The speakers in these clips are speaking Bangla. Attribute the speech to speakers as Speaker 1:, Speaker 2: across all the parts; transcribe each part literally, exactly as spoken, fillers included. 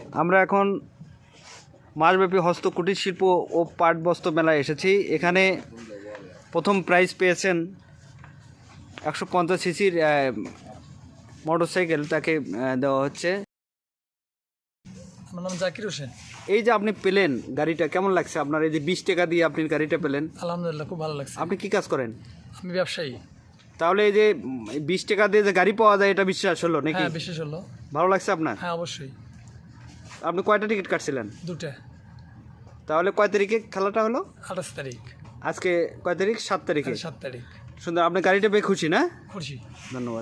Speaker 1: আমরা এখন মাসব্যাপী হস্ত কুটির শিল্প ও পাট বস্ত্র মেলায় এসেছি। এখানে প্রথম প্রাইজ পেয়েছেন একশো পঞ্চাশ সিসির মোটরসাইকেল, তাকে দেওয়া হচ্ছে।
Speaker 2: আমার নাম জাকির হোসেন।
Speaker 1: এই যে আপনি পেলেন গাড়িটা, কেমন লাগছে আপনার? এই যে বিশ টাকা দিয়ে আপনি গাড়িটা পেলেন।
Speaker 2: আলহামদুলিল্লাহ, খুব ভালো লাগছে।
Speaker 1: আপনি কি কাজ করেন?
Speaker 2: আমি ব্যবসায়ী।
Speaker 1: তাহলে এই যে বিশ টাকা দিয়ে যে গাড়ি পাওয়া যায়, এটা বিশ্বাস হলো নাকি?
Speaker 2: হ্যাঁ, বিশ্বাস হলো।
Speaker 1: ভালো লাগছে আপনার?
Speaker 2: হ্যাঁ, অবশ্যই।
Speaker 1: আপনি কয়টা টিকিট কাটছিলেন?
Speaker 2: দুটা।
Speaker 1: তাহলে কয় তারিখে খেলাটা হলো?
Speaker 2: আঠাশ তারিখ।
Speaker 1: আজকে কয় তারিখ? সাত তারিখে।
Speaker 2: সাত তারিখ।
Speaker 1: সুন্দর। আপনি গাড়িটা পেয়ে খুশি না?
Speaker 2: খুশি।
Speaker 1: ধন্যবাদ।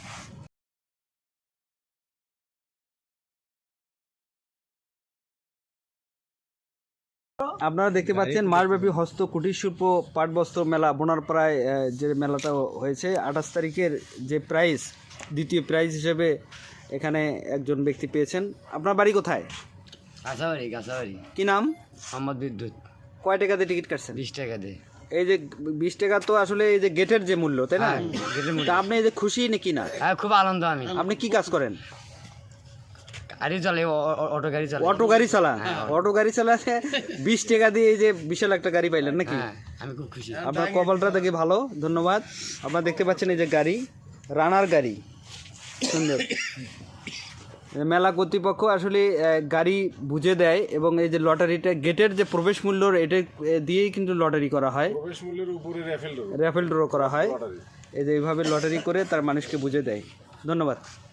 Speaker 1: আপনারা দেখতে পাচ্ছেন মাসব্যাপী হস্ত কুটির শিল্প পাট বস্ত্র মেলা বোনারপাড়ায় যে মেলাটা হয়েছে, আঠাশ তারিখের যে প্রাইজ, দ্বিতীয় প্রাইজ হিসেবে এখানে একজন ব্যক্তি পেয়েছেন। আপনার বাড়ি কোথায়?
Speaker 3: গাছাবাড়ি। গাছাবাড়ি।
Speaker 1: কি নাম?
Speaker 3: মোহাম্মদ বিদ্যুৎ।
Speaker 1: কয় টাকা দিয়ে টিকিট কাটছেন?
Speaker 3: বিশ টাকা দিয়ে।
Speaker 1: এই যে বিশ টাকা তো আসলে এই যে গেটের যে মূল্য, তাই না?
Speaker 3: হ্যাঁ, গেটের মূল্য।
Speaker 1: তা আপনি এই যে খুশি নাকি না?
Speaker 3: হ্যাঁ, খুব আনন্দ। আমি
Speaker 1: আপনি কি কাজ করেন?
Speaker 3: গাড়ি চালাই, অটো গাড়ি চালাই।
Speaker 1: অটো গাড়ি চালান? অটো গাড়ি চালাতে বিশ টাকা দিয়ে এই যে বিশাল একটা গাড়ি পাইলেন নাকি?
Speaker 3: হ্যাঁ, আমি খুব খুশি।
Speaker 1: আপনার কপালটা দেখে ভালো, ধন্যবাদ। আপনারা দেখতে পাচ্ছেন এই যে গাড়ি, রানার গাড়ি, সুন্দর। মেলা কর্তৃপক্ষ আসলে গাড়ি বুঝে দেয় এবং এই যে লটারিটা গেটের যে প্রবেশ মূল্য, এটা দিয়েই কিন্তু লটারি করা হয়,
Speaker 4: প্রবেশ মূল্যের উপরে র্যাফেল ড্র
Speaker 1: র্যাফেল ড্র করা হয়। এই যে এইভাবে লটারি করে তার মানুষকে বুঝে দেয়। ধন্যবাদ।